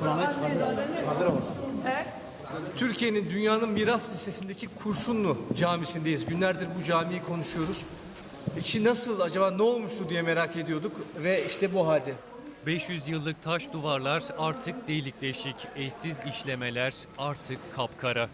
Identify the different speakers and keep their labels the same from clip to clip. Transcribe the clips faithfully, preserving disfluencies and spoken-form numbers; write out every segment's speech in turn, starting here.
Speaker 1: Türkiye'nin dünyanın miras listesindeki Kurşunlu Camisi'ndeyiz. Günlerdir bu camiyi konuşuyoruz. İçi nasıl, acaba ne olmuştu diye merak ediyorduk ve işte bu halde.
Speaker 2: beş yüz yıllık taş duvarlar artık delik deşik, eşsiz işlemeler artık kapkara.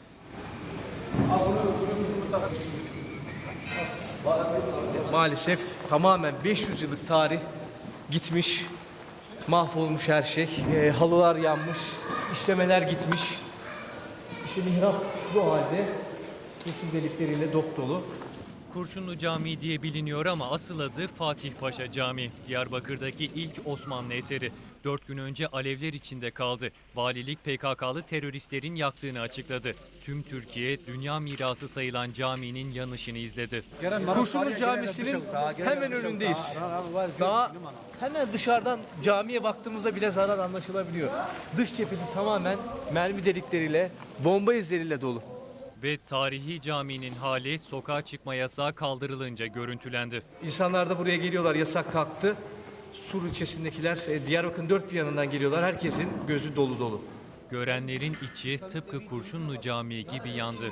Speaker 1: Maalesef tamamen beş yüz yıllık tarih gitmiş, mahvolmuş her şey. E, halılar yanmış, işlemeler gitmiş. İşte mihrap bu halde, kurşun delikleriyle dop dolu.
Speaker 2: Kurşunlu Camii diye biliniyor ama asıl adı Fatih Paşa Camii. Diyarbakır'daki ilk Osmanlı eseri. Dört gün önce alevler içinde kaldı. Valilik P K K'lı teröristlerin yaktığını açıkladı. Tüm Türkiye dünya mirası sayılan caminin yanışını izledi.
Speaker 1: Kurşunlu Camisi'nin hemen önündeyiz. Daha hemen dışarıdan camiye baktığımızda bile zarar anlaşılabiliyor. Dış cephesi tamamen mermi delikleriyle, bomba izleriyle dolu.
Speaker 2: Ve tarihi caminin hali sokağa çıkma yasağı kaldırılınca görüntülendi.
Speaker 1: İnsanlar da buraya geliyorlar, yasak kalktı. Sur ilçesindekiler e, Diyarbakır'ın dört bir yanından geliyorlar. Herkesin gözü dolu dolu.
Speaker 2: Görenlerin içi tıpkı Kurşunlu Camii gibi yandı.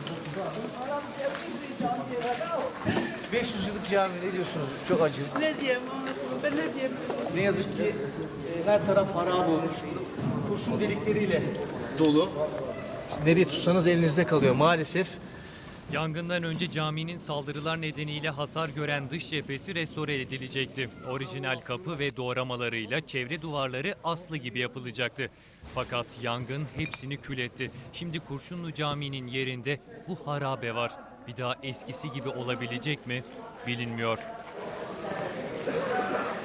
Speaker 1: beş yüz yıllık cami, ne diyorsunuz? Çok acı.
Speaker 3: Ne diyeyim Ahmet, ben ne diyeyim?
Speaker 1: Ne yazık ki e, her taraf harap olmuş. Kurşun delikleriyle dolu. İşte nereye tutsanız elinizde kalıyor maalesef.
Speaker 2: Yangından önce caminin saldırılar nedeniyle hasar gören dış cephesi restore edilecekti. Orijinal kapı ve doğramalarıyla çevre duvarları aslı gibi yapılacaktı. Fakat yangın hepsini kül etti. Şimdi Kurşunlu Camii'nin yerinde bu harabe var. Bir daha eskisi gibi olabilecek mi bilinmiyor.